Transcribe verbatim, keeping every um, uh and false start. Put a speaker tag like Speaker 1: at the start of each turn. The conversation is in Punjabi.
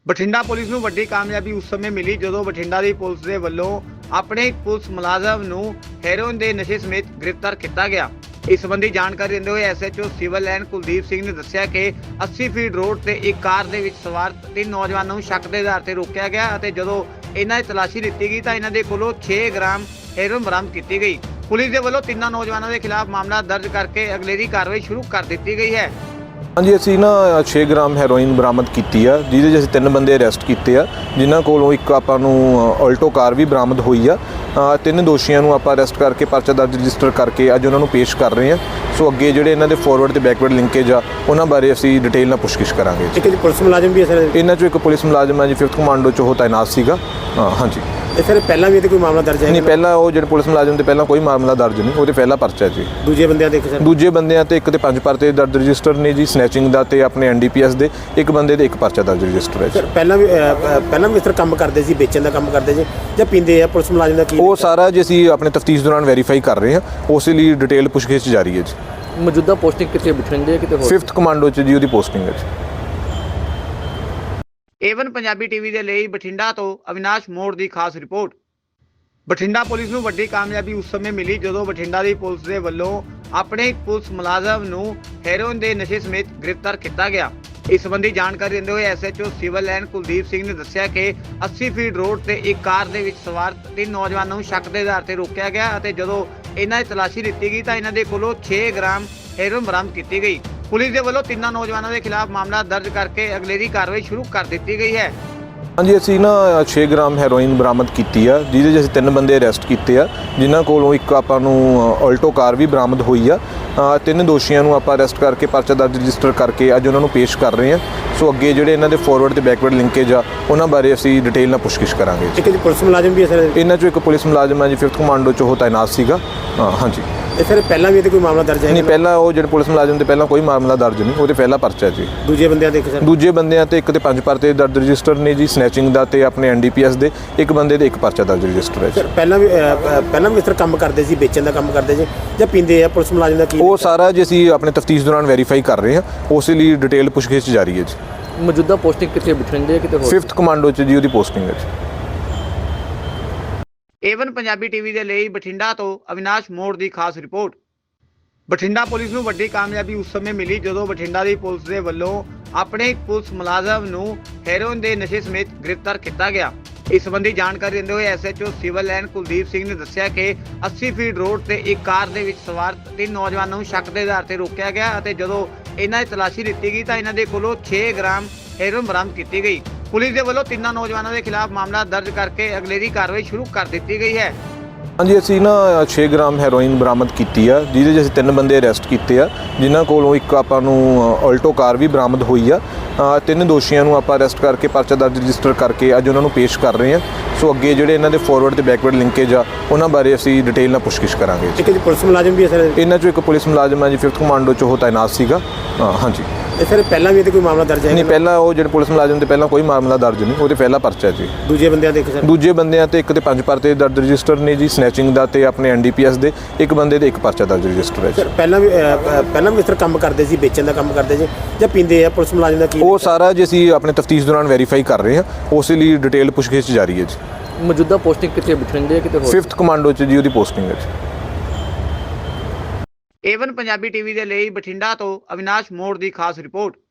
Speaker 1: ਬਠਿੰਡਾ ਪੁਲਿਸ ਨੂੰ ਵੱਡੀ ਕਾਮਯਾਬੀ ਉਸ ਸਮੇਂ ਮਿਲੀ ਜਦੋਂ ਬਠਿੰਡਾ ਦੀ ਪੁਲਿਸ ਦੇ ਵੱਲੋਂ ਆਪਣੇ ਇੱਕ ਪੁਲਿਸ ਮੁਲਾਜ਼ਮ ਨੂੰ ਹੈਰੋਇਨ ਦੇ ਨਸ਼ੇ ਸਮੇਤ ਗ੍ਰਿਫਤਾਰ ਕੀਤਾ ਗਿਆ। ਇਸ ਸੰਬੰਧੀ ਜਾਣਕਾਰੀ ਦਿੰਦੇ ਹੋਏ SHO civil line Kuldeep Singh ਨੇ ਦੱਸਿਆ ਕਿ अस्सी ਫੀਟ ਰੋਡ ਤੇ ਇੱਕ ਕਾਰ ਦੇ ਵਿੱਚ ਸਵਾਰ ਤਿੰਨ ਨੌਜਵਾਨਾਂ ਨੂੰ ਸ਼ੱਕ ਦੇ ਆਧਾਰ ਤੇ ਰੋਕਿਆ ਗਿਆ ਅਤੇ ਜਦੋਂ ਇਹਨਾਂ ਦੀ ਤਲਾਸ਼ੀ ਲਿੱਤੀ ਗਈ ਤਾਂ ਇਹਨਾਂ ਦੇ ਕੋਲੋਂ छह ਗ੍ਰਾਮ ਹੈਰੋਇਨ ਬਰਾਮਦ ਕੀਤੀ ਗਈ। ਪੁਲਿਸ ਦੇ ਵੱਲੋਂ ਤਿੰਨਾਂ ਨੌਜਵਾਨਾਂ ਦੇ ਖਿਲਾਫ ਮਾਮਲਾ ਦਰਜ ਕਰਕੇ ਅਗਲੇਰੀ ਕਾਰਵਾਈ ਸ਼ੁਰੂ ਕਰ ਦਿੱਤੀ ਗਈ ਹੈ।
Speaker 2: हाँ जी, असी ना छे ग्राम हैरोइन बरामद की है, जिहदे च असीं तीन बंदे अरैसट किए आ, जिन्हां कोलों एक आपां नूं अल्टो कार भी बरामद हुई आ। तीन दोषियों नूं आपां अरैसट करके परचा दर्ज रजिस्टर करके अज उन्हां नूं पेश कर रहे हैं। सो अगे जिहड़े इन्हां दे फॉरवर्ड ते बैकवर्ड लिंकेज आ उन्हां बारे असीं डिटेल नाल पुछगिछ करांगे।
Speaker 3: एक पुलिस मुलाजम भी है सर,
Speaker 2: इन्हां चों एक पुलिस मुलाजम है जी फिफ्थ कमांडो च ओह तैनात सीगा। हाँ जी,
Speaker 3: सर पहला भी कोई मामला दर्ज है?
Speaker 2: नहीं, पहला वो जो पुलिस मुलाजम ते पहला कोई मामला दर्ज नहीं, वो पहला परचा जी।
Speaker 3: दूजे बंदे देखे सर?
Speaker 2: दूजे बंदे ते एक ते पंज परते दर्ज रजिस्टर ने जी, स्नैचिंग दा ते अपने एनडीपीएस दे एक बंदे ते एक परचा दर्ज रजिस्टर है।
Speaker 3: सर पहला भी पहला भी इस तरह काम करते सी, बेचण दा काम करते जी ਜਾਂ ਪੀਂਦੇ ਆ? ਪੁਲਿਸ ਮੁਲਾਜ਼ਮ ਦਾ ਕੀ
Speaker 2: ਉਹ ਸਾਰਾ ਜੀ ਅਸੀਂ ਆਪਣੇ ਤਫਤੀਸ਼ ਦੌਰਾਨ ਵੈਰੀਫਾਈ ਕਰ ਰਹੇ ਹਾਂ, ਉਸ ਲਈ ਡਿਟੇਲ ਪੁੱਛਗਿੱਛ ਜਾਰੀ ਹੈ ਜੀ।
Speaker 4: ਮੌਜੂਦਾ ਪੋਸਟਿੰਗ ਕਿੱਥੇ ਬਠਿੰਡੇ ਕਿਤੇ ਹੋਰ?
Speaker 2: ਫਿਫਥ ਕਮਾਂਡੋ ਚ ਜੀ ਉਹਦੀ ਪੋਸਟਿੰਗ ਹੈ ਜੀ।
Speaker 1: ਏਵਨ ਪੰਜਾਬੀ ਟੀਵੀ ਦੇ ਲਈ ਬਠਿੰਡਾ ਤੋਂ ਅਵਿਨਾਸ਼ ਮੋੜ ਦੀ ਖਾਸ ਰਿਪੋਰਟ। ਬਠਿੰਡਾ ਪੁਲਿਸ ਨੂੰ ਵੱਡੀ ਕਾਮਯਾਬੀ ਉਸ ਸਮੇਂ ਮਿਲੀ ਜਦੋਂ ਬਠਿੰਡਾ ਦੀ ਪੁਲਿਸ ਦੇ ਵੱਲੋਂ ਆਪਣੇ ਇੱਕ ਪੁਲਿਸ ਮੁਲਾਜ਼ਮ ਨੂੰ ਹੈਰੋਇਨ ਦੇ ਨਸ਼ੇ ਸਮੇਤ ਗ੍ਰਿਫਤਾਰ ਕੀਤਾ ਗਿਆ। ਇਸ ਸੰਬੰਧੀ ਜਾਣਕਾਰੀ ਦਿੰਦੇ ਹੋਏ SHO civil line Kuldeep Singh ਨੇ ਦੱਸਿਆ ਕਿ अस्सी ਫੀਟ ਰੋਡ ਤੇ ਇੱਕ ਕਾਰ ਦੇ ਵਿੱਚ ਸਵਾਰ ਤਿੰਨ ਨੌਜਵਾਨਾਂ ਨੂੰ ਸ਼ੱਕ ਦੇ ਆਧਾਰ ਤੇ ਰੋਕਿਆ ਗਿਆ ਅਤੇ ਜਦੋਂ ਇਹਨਾਂ ਦੀ ਤਲਾਸ਼ੀ ਲਿੱਤੀ ਗਈ ਤਾਂ ਇਹਨਾਂ ਦੇ ਕੋਲੋਂ छह ਗ੍ਰਾਮ ਹੈਰੋਇਨ ਬਰਾਮਦ ਕੀਤੀ ਗਈ। ਪੁਲਿਸ ਦੇ ਵੱਲੋਂ ਤਿੰਨਾਂ ਨੌਜਵਾਨਾਂ ਦੇ ਖਿਲਾਫ ਮਾਮਲਾ ਦਰਜ ਕਰਕੇ ਅਗਲੇਰੀ ਕਾਰਵਾਈ ਸ਼ੁਰੂ ਕਰ ਦਿੱਤੀ ਗਈ ਹੈ।
Speaker 2: हाँ जी, असी ना छे ग्राम हैरोइन बरामद की है, जिहदे च असीं तीन बंदे अरैसट किए आ, जिन्हां कोलों एक आपां नूं अल्टो कार भी बरामद हुई आ। तीन दोषियों नूं आपां अरैसट करके परचा दर्ज रजिस्टर करके अज उन्हां नूं पेश कर रहे हैं। सो अगे जिहड़े इन्हां दे फॉरवर्ड ते बैकवर्ड लिंकेज आ उन्हां बारे असीं डिटेल नाल पुछगिछ करांगे।
Speaker 3: एक पुलिस मुलाजम भी है सर?
Speaker 2: इन्हां चों एक पुलिस मुलाजम है जी फिफ्थ कमांडो च ओह तैनात सीगा। हाँ जी,
Speaker 3: सर पहला भी कोई मामला दर्ज है?
Speaker 2: नहीं, पहला वो जो पुलिस मुलाजम ते पहला कोई मामला दर्ज नहीं, वो पहला परचा जी।
Speaker 3: दूजे बंदे देखे सर?
Speaker 2: दूजे बंदे ते एक ते पंज परते दर्ज रजिस्टर ने जी, स्नैचिंग दा ते अपने एनडीपीएस दे एक बंदे ते एक परचा दर्ज रजिस्टर है।
Speaker 3: सर पहला भी पहला भी इस तरह काम करते सी, बेचण दा काम करते जी ਜਾਂ ਪੀਂਦੇ ਆ? ਪੁਲਿਸ ਮੁਲਾਜ਼ਮ ਦਾ ਕੀ
Speaker 2: ਉਹ ਸਾਰਾ ਜੀ ਅਸੀਂ ਆਪਣੇ ਤਫਤੀਸ਼ ਦੌਰਾਨ ਵੈਰੀਫਾਈ ਕਰ ਰਹੇ ਹਾਂ, ਉਸ ਲਈ ਡਿਟੇਲ ਪੁੱਛਗਿੱਛ ਜਾਰੀ ਹੈ ਜੀ।
Speaker 4: ਮੌਜੂਦਾ ਪੋਸਟਿੰਗ ਕਿੱਥੇ ਬਠਿੰਡੇ ਕਿਤੇ ਹੋਰ?
Speaker 2: ਫਿਫਥ ਕਮਾਂਡੋ ਚ ਜੀ ਉਹਦੀ ਪੋਸਟਿੰਗ ਹੈ ਜੀ।
Speaker 1: ਏਵਨ ਪੰਜਾਬੀ ਟੀਵੀ ਦੇ ਲਈ ਬਠਿੰਡਾ ਤੋਂ ਅਵਿਨਾਸ਼ ਮੋੜ ਦੀ ਖਾਸ ਰਿਪੋਰਟ। ਬਠਿੰਡਾ ਪੁਲਿਸ ਨੂੰ ਵੱਡੀ ਕਾਮਯਾਬੀ ਉਸ ਸਮੇਂ ਮਿਲੀ ਜਦੋਂ ਬਠਿੰਡਾ ਦੀ ਪੁਲਿਸ ਦੇ ਵੱਲੋਂ ਆਪਣੇ ਇੱਕ ਪੁਲਿਸ ਮੁਲਾਜ਼ਮ ਨੂੰ ਹੈਰੋਇਨ ਦੇ ਨਸ਼ੇ ਸਮੇਤ ਗ੍ਰਿਫਤਾਰ ਕੀਤਾ ਗਿਆ। ਇਸ ਸੰਬੰਧੀ ਜਾਣਕਾਰੀ ਦਿੰਦੇ ਹੋਏ SHO civil line Kuldeep Singh ਨੇ ਦੱਸਿਆ ਕਿ अस्सी ਫੀਟ ਰੋਡ ਤੇ ਇੱਕ ਕਾਰ ਦੇ ਵਿੱਚ ਸਵਾਰ ਤਿੰਨ ਨੌਜਵਾਨਾਂ ਨੂੰ ਸ਼ੱਕ ਦੇ ਆਧਾਰ ਤੇ ਰੋਕਿਆ ਗਿਆ ਅਤੇ ਜਦੋਂ ਇਹਨਾਂ ਦੀ ਤਲਾਸ਼ੀ ਲਿੱਤੀ ਗਈ ਤਾਂ ਇਹਨਾਂ ਦੇ ਕੋਲੋਂ छह ਗ੍ਰਾਮ ਹੈਰੋਇਨ ਬਰਾਮਦ ਕੀਤੀ ਗਈ। ਪੁਲਿਸ ਦੇ ਵੱਲੋਂ ਤਿੰਨਾਂ ਨੌਜਵਾਨਾਂ ਦੇ ਖਿਲਾਫ ਮਾਮਲਾ ਦਰਜ ਕਰਕੇ ਅਗਲੇਰੀ ਕਾਰਵਾਈ ਸ਼ੁਰੂ ਕਰ ਦਿੱਤੀ ਗਈ ਹੈ।
Speaker 2: हाँ जी, असी ना छे ग्राम हैरोइन बरामद की है, जिहदे च असीं तीन बंदे अरैसट किए आ, जिन्हां कोलों एक आपां नूं अल्टो कार भी बरामद हुई आ। तीन दोषियों नूं आपां अरैसट करके परचा दर्ज रजिस्टर करके अज उन्हां नूं पेश कर रहे हैं। सो अगे जिहड़े इन्हां दे फॉरवर्ड ते बैकवर्ड लिंकेज आ उन्हां बारे असीं डिटेल नाल पुछगिछ करांगे।
Speaker 3: एक पुलिस मुलाजम भी है सर?
Speaker 2: इन्हां चों एक पुलिस मुलाजम है जी फिफ्थ कमांडो च ओह तैनात सीगा। हाँ जी,
Speaker 3: सर पहला भी कोई मामला दर्ज है?
Speaker 2: नहीं, पहला वो जो पुलिस मुलाजम ते पहला कोई मामला दर्ज नहीं, वो पहला परचा जी।
Speaker 3: दूजे बंदे देखे सर?
Speaker 2: दूजे बंदे ते एक ते पंज परते दर्ज रजिस्टर ने जी, स्नैचिंग दा ते अपने एनडीपीएस दे एक बंदे ते एक परचा दर्ज रजिस्टर है।
Speaker 3: सर पहला भी पहला भी इस तरह काम करते सी, बेचण दा काम करते जी ਜਾਂ ਪੀਂਦੇ ਆ? ਪੁਲਿਸ ਮੁਲਾਜ਼ਮ ਦਾ ਕੀ
Speaker 2: ਉਹ ਸਾਰਾ ਜੀ ਅਸੀਂ ਆਪਣੇ ਤਫਤੀਸ਼ ਦੌਰਾਨ ਵੈਰੀਫਾਈ ਕਰ ਰਹੇ ਹਾਂ, ਉਸ ਲਈ ਡਿਟੇਲ ਪੁੱਛਗਿੱਛ ਜਾਰੀ ਹੈ ਜੀ।
Speaker 4: ਮੌਜੂਦਾ ਪੋਸਟਿੰਗ ਕਿੱਥੇ ਬਠਿੰਡੇ ਕਿਤੇ ਹੋਰ?
Speaker 2: ਫਿਫਥ ਕਮਾਂਡੋ ਚ ਜੀ ਉਹਦੀ ਪੋਸਟਿੰਗ ਹੈ ਜੀ।
Speaker 1: ਏਵਨ ਪੰਜਾਬੀ ਟੀਵੀ ਦੇ ਲਈ ਬਠਿੰਡਾ ਤੋਂ ਅਵਿਨਾਸ਼ ਮੋੜ ਦੀ ਖਾਸ ਰਿਪੋਰਟ।